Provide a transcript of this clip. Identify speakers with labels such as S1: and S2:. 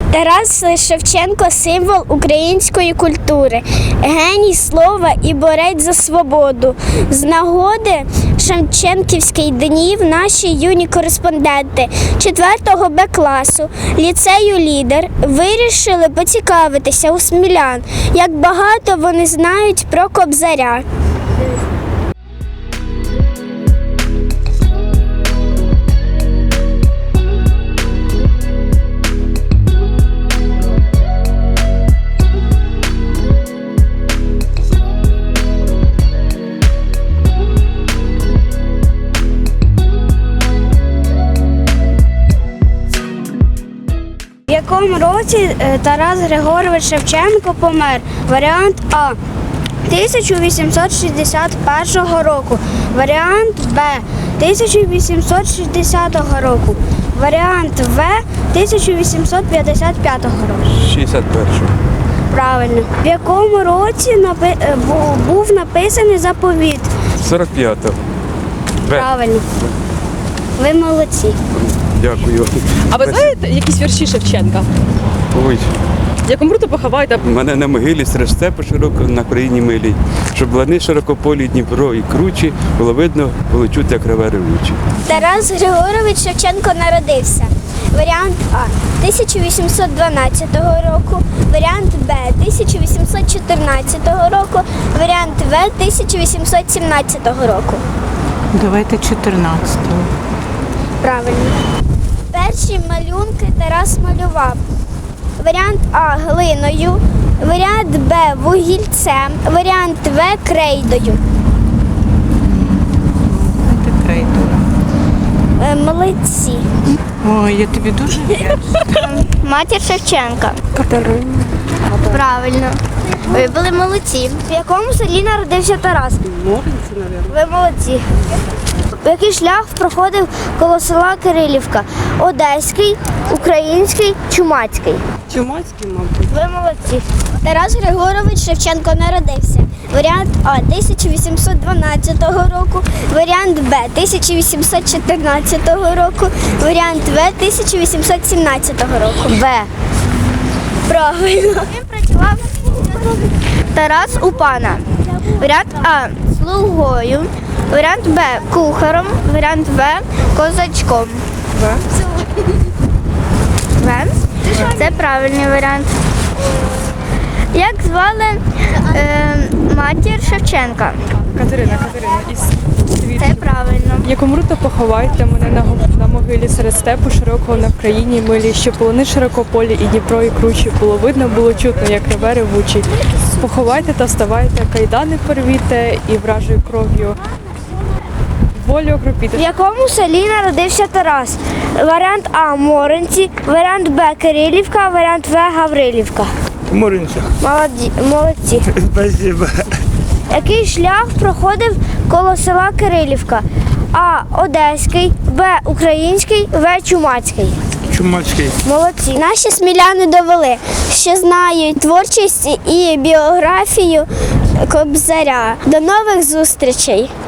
S1: Тарас Шевченко – символ української культури, геній слова і борець за свободу. З нагоди Шевченківських днів наші юні кореспонденти 4-го Б-класу ліцею «Лідер» вирішили поцікавитися у смілян, як багато вони знають про Кобзаря. В якому році Тарас Григорович Шевченко помер? Варіант А. 1861 року. Варіант Б. 1860 року. Варіант В. 1855 року.
S2: 61-го.
S1: Правильно. В якому році був написаний заповіт?
S2: 45-го.
S1: Правильно. Ви молодці.
S2: Дякую.
S3: А ви знаєте якісь вірші Шевченка?
S2: Ой,
S3: Як умру, то поховайте.
S2: мене на могилі серед степу широко на країні милій, щоб лани широкополі, Дніпро і кручі, було видно, було чути, як реве ревучі.
S1: Тарас Григорович Шевченко народився. Варіант А. 1812 року, варіант Б. 1814 року, варіант В. 1817 року.
S4: Давайте 14-го.
S1: Правильно. Перші малюнки Тарас малював. Варіант А. Глиною, варіант Б. Вугільцем, варіант В. Крейдою.
S4: Давайте крейдою.
S1: Молодці.
S4: Ой, я тобі дуже вдячна.
S1: Матір Шевченка. Катерина. Правильно. Ви були молодці. В якому селі народився Тарас?
S3: Морниці, мабуть.
S1: Ви молодці. Який шлях проходив коло села Кирилівка? Одеський, український, чумацький.
S3: Чумацький, мабуть.
S1: Ви молодці. Тарас Григорович Шевченко народився. Варіант А. 1812 року, варіант Б. 1814 року, варіант В. 1817 року.
S4: Б.
S1: Правильно. Ким працював Тарас у пана? Варіант А. Слугою, варіант Б. Кухарем, варіант В. Козачком. В? Це правильний варіант. Як звали матір Шевченка?
S3: Катерина із Світ.
S1: Це правильно.
S3: Як умру, то поховайте мене на могилі серед степу широкого на країні милі, щоб полони широкополі і Дніпро і кручі, було видно, було чутно, як реве ревучий. Поховайте та вставайте, кайдани порвіте і вражою кров'ю волю окропіте.
S1: В якому селі народився Тарас? Варіант А. Моринці, варіант Б. Кирилівка, варіант В. Гаврилівка.
S5: Моринця.
S1: Молодці.
S5: Спасибо.
S1: Який шлях проходив коло села Кирилівка? А. Одеський, Б. Український, В. Чумацький.
S5: Чумацький.
S1: Молодці. Наші сміляни довели, що знають творчість і біографію Кобзаря. До нових зустрічей!